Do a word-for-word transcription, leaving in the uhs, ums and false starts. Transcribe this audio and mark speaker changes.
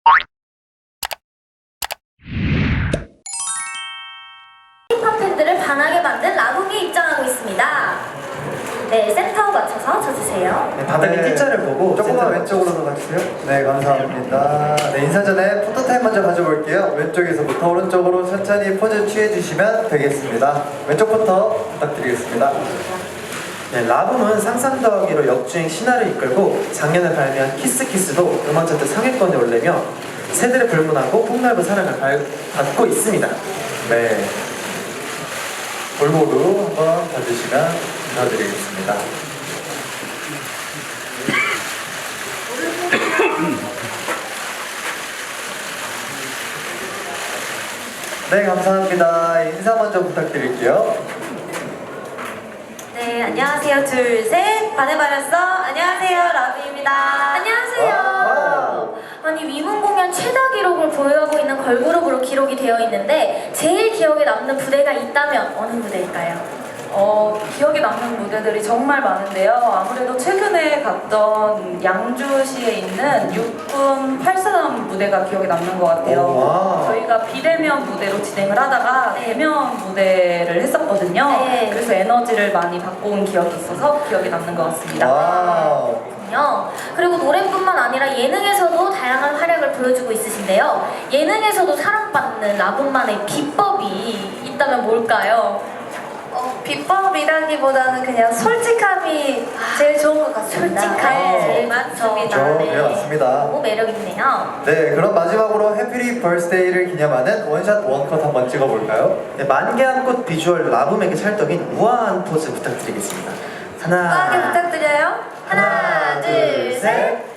Speaker 1: 힙합 팬들을 반하게 만든 라붐이 입장하고 있습니다. 네, 센터 맞춰서 쳐주세요.
Speaker 2: 네, 바닥에
Speaker 3: 네.
Speaker 2: T자를 보고
Speaker 3: 조금만 왼쪽으로 가주세요. 네, 감사합니다. 네, 인사 전에 포토타임 먼저 가져볼게요. 왼쪽에서부터 오른쪽으로 천천히 포즈 취해주시면 되겠습니다. 왼쪽부터 부탁드리겠습니다.
Speaker 2: 네, 라붐은 상상 더하기로 역주행 신화를 이끌고 작년에 발매한 키스키스도 음원 차트 상위권에 올리며 세대를 불문하고 폭넓은 사랑을 발- 받고 있습니다.
Speaker 3: 네. 골고루 한번 봐주시면 감사드리겠습니다. 네, 감사합니다. 인사 먼저 부탁드릴게요.
Speaker 1: 네, 안녕하세요. 둘, 셋. 반해버렸어. 안녕하세요. 라붐입니다. 안녕하세요.
Speaker 3: 와우.
Speaker 1: 아니, 위문 공연 최다 기록을 보유하고 있는 걸그룹으로 기록이 되어 있는데 제일 기억에 남는 무대가 있다면 어느 무대일까요?
Speaker 4: 어, 기억에 남는 무대들이 정말 많은데요. 아무래도 최근에 갔던 양주시에 있는 육군 팔사단 무대가 기억에 남는 것 같아요.
Speaker 2: 오, 와.
Speaker 4: 저희가 비대면 무대로 진행을 하다가
Speaker 1: 네.
Speaker 4: 대면 무대를 했었거든요.
Speaker 1: 네.
Speaker 4: 그래서 에너지를 많이 받고 온 기억이 있어서 기억에 남는 것 같습니다.
Speaker 3: 와우.
Speaker 1: 그렇군요. 그리고 노래뿐만 아니라 예능에서도 다양한 활약을 보여주고 있으신데요. 예능에서도 사랑받는 라붐만의 비법이 있다면 뭘까요?
Speaker 5: 어, 비법이라기보다는 그냥 솔직함이 제일 좋은 것 같습니다.
Speaker 1: 솔직함이
Speaker 5: 네,
Speaker 1: 제일
Speaker 5: 맞습니다.
Speaker 3: 좋죠. 네, 맞습니다.
Speaker 1: 너무 매력있네요.
Speaker 3: 네, 그럼 마지막으로 해피리 벌스데이를 기념하는 원샷 원컷 한번 찍어볼까요?
Speaker 2: 네, 만개한 꽃 비주얼 라붐에게 찰떡인 우아한 포즈 부탁드리겠습니다. 하나,
Speaker 5: 빠르게 부탁드려요.
Speaker 1: 하나, 둘, 셋.